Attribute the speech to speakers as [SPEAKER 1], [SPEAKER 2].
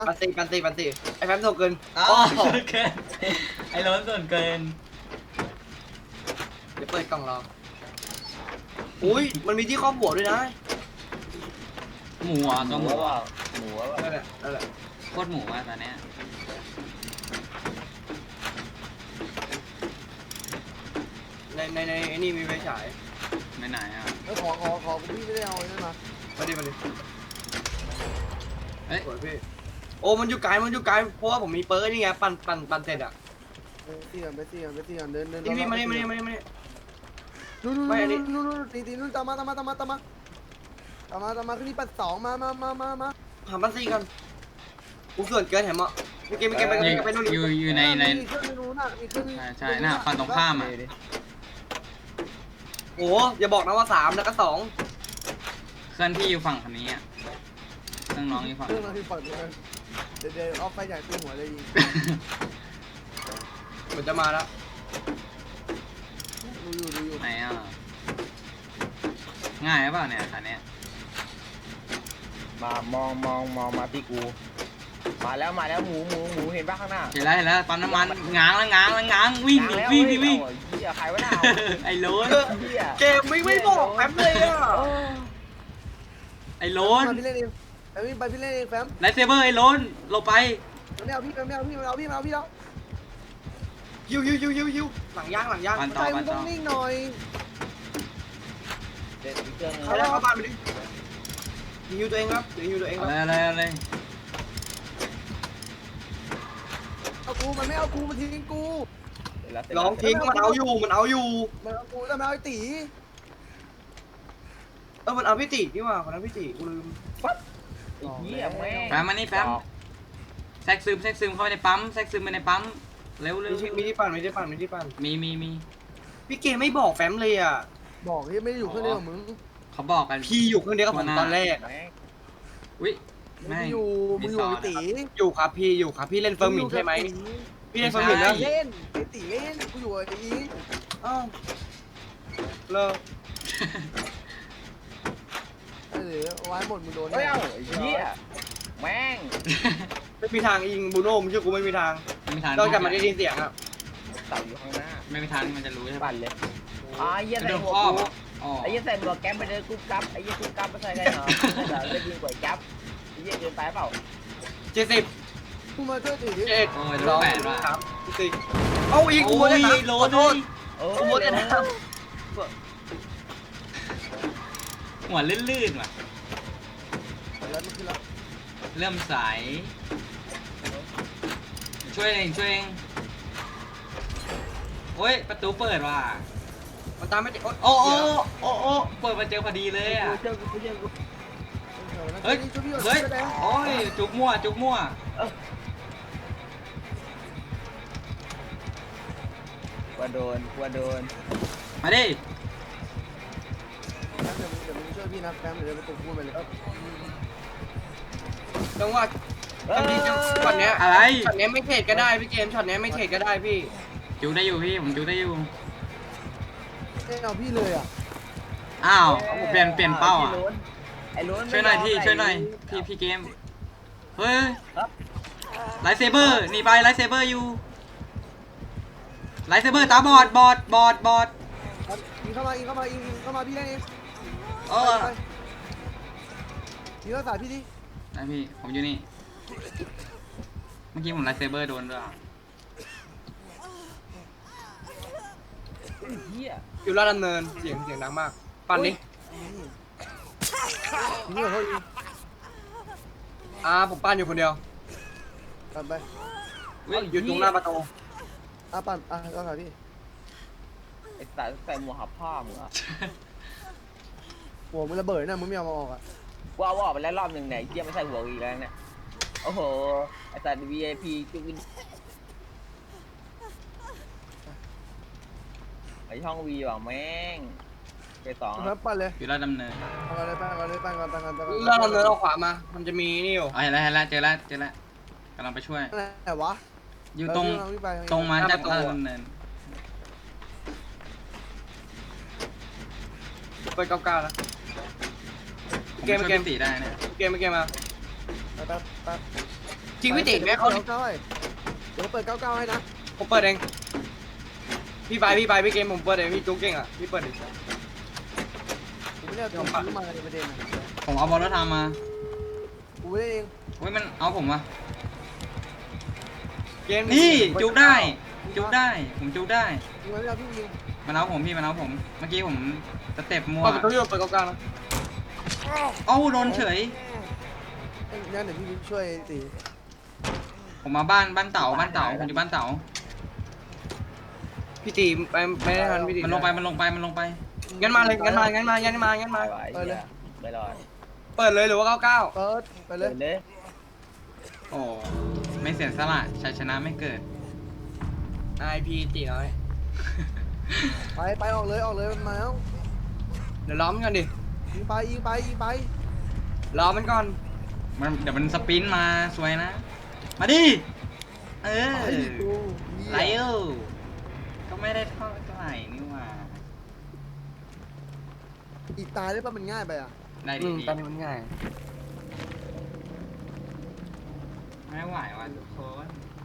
[SPEAKER 1] ปันตีไอ้แฟมโตเกิน
[SPEAKER 2] อ้า
[SPEAKER 1] อ๋อ
[SPEAKER 2] วส่วนเกินไอ้ล้นส่วนเกิน
[SPEAKER 1] เดี๋ยวเปิดกล่องรออุ้ยมันมีที่ครอบหัวด้วยนะ
[SPEAKER 2] หมูอ่ะตัวหมูอ่ะ
[SPEAKER 3] หมูว่า
[SPEAKER 1] นั่นแหละ
[SPEAKER 2] โคตรหมูอ่ะตอนเนี้ย
[SPEAKER 1] ในนี่มีไฟฉาย
[SPEAKER 2] ไม่ไหนอ่ะ
[SPEAKER 4] ขอพี่ไม่ได้เอานั่นมา
[SPEAKER 1] มาดิ
[SPEAKER 2] เอ้ย
[SPEAKER 1] สวยพี่โอ้มันอยู่ไกลเพราะว่าผมมีเปิร์นี่ไงปั่นเสร็จอ่ะ
[SPEAKER 4] ไปตีกันเดิน
[SPEAKER 1] นี่พี่มานี่
[SPEAKER 4] นู่น
[SPEAKER 1] ไม่อันนี้
[SPEAKER 4] ตีนู่นตามมาขึ้นนี่ปัดสองมา
[SPEAKER 1] หาปันซีกันกูส่วนเกินแถมอ่ะไม่เกมไปนู่น
[SPEAKER 2] อยู่ใน
[SPEAKER 4] มีเครื่องนู้นน่ะมีเครื่อง
[SPEAKER 2] ใช่น่ะฝั่งตรงข้ามอ่ะ
[SPEAKER 1] โอ้อย่าบอกนะว่า3แล้วก็2
[SPEAKER 2] เคลื่อนที่อยู่ฝั่งคันนี้อ่ะเครื่องน้องอยู่ฝั่ง
[SPEAKER 4] เครื่องนั้นคือฝั่งนู้นเดี๋ยวเอาไฟใหญ่ตีหัวเลยยิง
[SPEAKER 1] เหมือนจะมาแล้ว
[SPEAKER 4] ดูอยู่
[SPEAKER 2] ไหนอ่ะง่ายหรือเปล่าเนี่ยคันเนี้ย
[SPEAKER 3] มามองมาที่กู มาแล้วหมูเห็นป่ะข้างหน้า
[SPEAKER 2] เห็นแล้วปั๊มน้ำมันง้างวิ่ง
[SPEAKER 3] แล้ว
[SPEAKER 2] วิ่ง
[SPEAKER 3] เหี้ยใครวะน่ะ
[SPEAKER 2] ไอ้โล้น
[SPEAKER 3] เหี้ย
[SPEAKER 1] เกมไม่บอกแฟมเลยอ่ะ
[SPEAKER 2] ไอ้โล้น
[SPEAKER 4] พี่เล่นเองแฟมไปพี่เล่นเองแฟม
[SPEAKER 2] ไลท์เซเบอร์ไอ้โล้นลงไป
[SPEAKER 4] ไม่เอาพี่แล้ว
[SPEAKER 1] ฮิวหลังย่าง
[SPEAKER 2] ปัน
[SPEAKER 4] ใจมึงต้องนิ่งหน่อย
[SPEAKER 3] เด็ดอีกเครื่องนึง
[SPEAKER 1] เขาได้เข้าบ้านไปดิฮิวตัวเองครับเดี๋ยวฮิวตัวเองครับ
[SPEAKER 2] อะไร
[SPEAKER 4] เอากูมันไม่เอากูมันทิ้งกู
[SPEAKER 1] ลองทิ้งมันเอาอยู่
[SPEAKER 4] มันเอากูแล้วมันเอาไอ้ตี
[SPEAKER 1] มันเอาพี่ตินี่ว่าคนนั้นพี่ติกูลืม
[SPEAKER 3] เหี้ยแม่ง
[SPEAKER 2] แฟมมานี่แฟมแทรกซึมเข้าไปในปั๊มแทรกซึมไปในปั๊มเร็ว
[SPEAKER 1] มีที่ปั่น
[SPEAKER 2] มี
[SPEAKER 1] พี่เกมไม่บอกแฟมเลยอ่ะ
[SPEAKER 4] บอกที่ไม่ได้อยู่เครื่องเดียวกับมึง
[SPEAKER 2] เขาบอกกัน
[SPEAKER 1] พี่อยู่คนเดียวกับผมตอนแรก
[SPEAKER 3] แม่ง
[SPEAKER 2] อุ้ย
[SPEAKER 4] มึ
[SPEAKER 2] แม่
[SPEAKER 4] ง
[SPEAKER 2] ง
[SPEAKER 4] อยู่ไอ้ตี
[SPEAKER 1] อยู่ครับพี่เล่นเฟิร์มหมินใช่ไหมพี่เล่นเฟิร์มหมินนะ
[SPEAKER 4] เล่นไอ้ตีเล่นกูอยู่ไอ้ตี
[SPEAKER 1] อ้าวเลิก
[SPEAKER 4] เออไว้หมดมึงโดน
[SPEAKER 3] เฮ้ยไอ้เหี้ยแม่ง
[SPEAKER 1] ไม่มีทางยิงบูโน่มึงเชื่อกูไม่มีทาง
[SPEAKER 2] ไม่มีทาง
[SPEAKER 1] นอกจากมันได้ยินเสียงอ่ะ
[SPEAKER 3] เต่าอยู่ข้างหน้า
[SPEAKER 2] ไม่มีทางมันจะรู้ใช่ปะ
[SPEAKER 3] ปั่นเลยไอ้เหี้ย
[SPEAKER 2] จะ
[SPEAKER 3] ใส่
[SPEAKER 2] โดน
[SPEAKER 3] หัว
[SPEAKER 2] ครอบ
[SPEAKER 3] กู
[SPEAKER 2] อ๋อ
[SPEAKER 3] ไอ้เหี้ยใส่หมวกแก๊ปไปเดินกุ๊บกับไอ้เหี้ยกุ๊บกับไม่ใช่ได้เหรอได้ยิงกว่าจับไอ้เหี้ยเกินไปเปล่า
[SPEAKER 1] 70
[SPEAKER 4] กูมาช่วยตีดิ
[SPEAKER 1] 7
[SPEAKER 2] โอ้ยโดนแปดว่ะ
[SPEAKER 1] 3 4เอาอีกกูเลยนะ
[SPEAKER 2] โล
[SPEAKER 1] ขอโทษ
[SPEAKER 3] เออ
[SPEAKER 1] กูโมจะนะ
[SPEAKER 2] หัวลื่นว่ะ
[SPEAKER 4] แล้วมันขึ้นแล้ว
[SPEAKER 2] เริ่มใสช่วยเองโอ้ยประตูเปิดว่ะ
[SPEAKER 1] มันตามไม่ติด
[SPEAKER 2] โอ้เปิดมาเจอพอดีเลยอ่ะ
[SPEAKER 3] เจ้ากู
[SPEAKER 2] เฮ้ยโอ้ยจุกมั่ว
[SPEAKER 3] กลัวโดน
[SPEAKER 2] มาดิ
[SPEAKER 4] เดี๋ยวมึงช่วยพี่นะแฟมเดี๋ยวไปตบกูไปเลย
[SPEAKER 1] จังหวะช็อตเนี้ย
[SPEAKER 2] อะไร
[SPEAKER 1] ช็อตเนี้ยไม่เทรดก็ได้พี่เกมช็อตเนี้ยไม่เทรดก็ได้พี่
[SPEAKER 2] จุกได้อยู่พี่ผมจุกได้อยู่
[SPEAKER 4] ไม่เอาพี่เลยอ่ะ
[SPEAKER 2] อ้าวเปลี่ยนเป้าอ่ะ
[SPEAKER 3] ไอ้ล้น
[SPEAKER 2] ช่วยหน่อยพี่เกมเฮ้ยไลท์เซเบอร์หนีไปไลท์เซเบอร์อยู่ไลท์เซเบอร์ตาบอด
[SPEAKER 4] ยิงเข้ามาพี่เล่นเอง
[SPEAKER 2] เออ
[SPEAKER 4] ยิงรักษาพี่ดิ
[SPEAKER 2] นะพี่ผมอยู่นี่เมื่อกี้ผมไลท์เซเบอร์โดนด้วย
[SPEAKER 3] เหี้ย
[SPEAKER 1] อยู่ลาดดำเนินเสียงดังมากปั่นดิ
[SPEAKER 4] นี่เขายิง
[SPEAKER 1] ผมปั่นอยู่คนเดียว
[SPEAKER 4] ปั่นไป
[SPEAKER 1] อยู่ตรงหน้าประตู
[SPEAKER 4] ปั่นรักษาพี่
[SPEAKER 3] ไอ้สัตว์ใส่หมวกหับผ้ามึงอ่ะ
[SPEAKER 4] หัวมึงระเบิดนะมึงไม่เอามาออกอ่ะ
[SPEAKER 3] ว่าไปแล้วรอบหนึ่งเนี่ยเหี้ยไม่ใส่หัวอีกแล้วเนี่ยโอ้โหไอ้สัตว์ VIP จุกไอ้ช่องวีว่ะแม่งไปสอง
[SPEAKER 4] แล้วปั่นเลย
[SPEAKER 2] อยู่ลาดดำเนิน
[SPEAKER 4] ปั่นก่อน
[SPEAKER 1] ลาดดำเนินเอาขวามามันจะมีนี่อยู่
[SPEAKER 2] เห็นแล้วเจอแล้วกำลังไปช่วย
[SPEAKER 4] อะไรวะ
[SPEAKER 2] อยู่ตรงมาจากลาดดำเนิน
[SPEAKER 1] เปิด99นะเกม
[SPEAKER 2] ช่วยพี่ตีได้เนี่ย
[SPEAKER 1] เกมมา
[SPEAKER 4] ไป
[SPEAKER 1] จริงพี่ติแม่เขา
[SPEAKER 4] เก้าให้เดี๋ยวเปิด99ให้นะ
[SPEAKER 1] ผมเปิดเองพี่ไปพี่เกมผมเปิดเองพี่จุ๊กเก่งอ่ะพี่เปิดดิ
[SPEAKER 4] กูไม่ได้เอาของซื้อมาในประเด็นนะ
[SPEAKER 2] ผมเอาบอลรถทำมา
[SPEAKER 4] กูไม่ได้เอง
[SPEAKER 2] เฮ้ยมันเอาผมวะ
[SPEAKER 1] เกม
[SPEAKER 2] นี่จุกได้จุกได้ผมจุกได้
[SPEAKER 4] กูไม่ได้เอาพี่ยิง
[SPEAKER 2] มันเอาผมพี่มันเอาผมเมื่อกี้ผมสเต็ปมัว
[SPEAKER 1] เปิดประตูอยู่เปิดกลางๆนะ
[SPEAKER 2] เอ้าโดนเฉย
[SPEAKER 4] งั้นเดี๋ยวพี่ช่วยตี
[SPEAKER 2] ผมมาบ้านเต่าผมอยู่บ้านเต่า
[SPEAKER 1] พี่ตีไปไม่ได้ทันพี่ตี
[SPEAKER 2] มันลงไป
[SPEAKER 1] งั้นมาเลยงั้นมา
[SPEAKER 3] ไม่ไหวไม่รอด
[SPEAKER 1] เปิดเลยหรือว่า99
[SPEAKER 4] เปิดไปเลย
[SPEAKER 3] เลย
[SPEAKER 2] โอ้ไม่เสียสละชัยชนะไม่เกิด
[SPEAKER 1] IP ตีน้อย
[SPEAKER 4] ไปออกเลยมันมาแล้ว
[SPEAKER 1] เดี๋ยวล้อมกันดิ
[SPEAKER 4] ยิงไป
[SPEAKER 1] ล้อมมันก่อน
[SPEAKER 2] เดี๋ยวมันสปรินต์มาสวยนะ มาดิเออ
[SPEAKER 4] ไอ้กู
[SPEAKER 2] ไลเอลก็ไม่ได้เท่าไหร่นี่หว่า
[SPEAKER 4] อีกตายได้ป่ะมันง่ายไปอ่ะ
[SPEAKER 2] ได้ดี
[SPEAKER 1] ตอนนี้มันง่าย
[SPEAKER 2] ไม่ไหวว่ะทุกคน